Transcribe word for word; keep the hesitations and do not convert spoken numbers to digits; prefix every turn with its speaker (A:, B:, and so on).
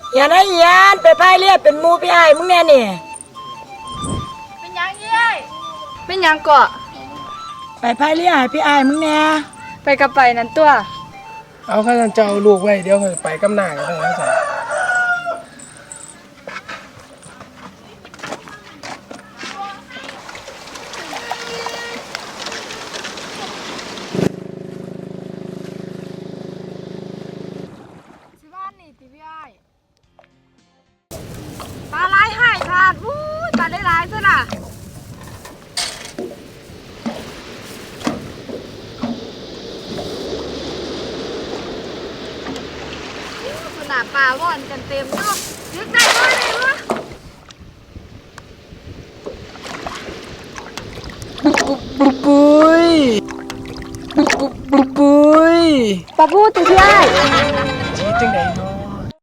A: อย่านะเฮียนไปพายเรียบเป็นมูพี่ไอ้มึงแน่นี่
B: เป็นยังเย้ยเป็นยังเกาะ
A: ไปพายเรียบให้พี่ไอ้มึงแน่
B: ไปกับไปนั่นตัว
C: เอาข้าจะเอาลูกไว้เดี๋ยวไปกำหน้ากันได้ครับ
B: ปลาไหลหายขาดวู้ปลาได้หลายซะน่ะขนาดปลาว่อนกันเต็มเนาะยึดได้ด้วยเลยวะ
C: บุบบุบบุยบุบบุบบุบบุย
B: ปลาบูตัวใหญ่
C: จีจังไหนเนา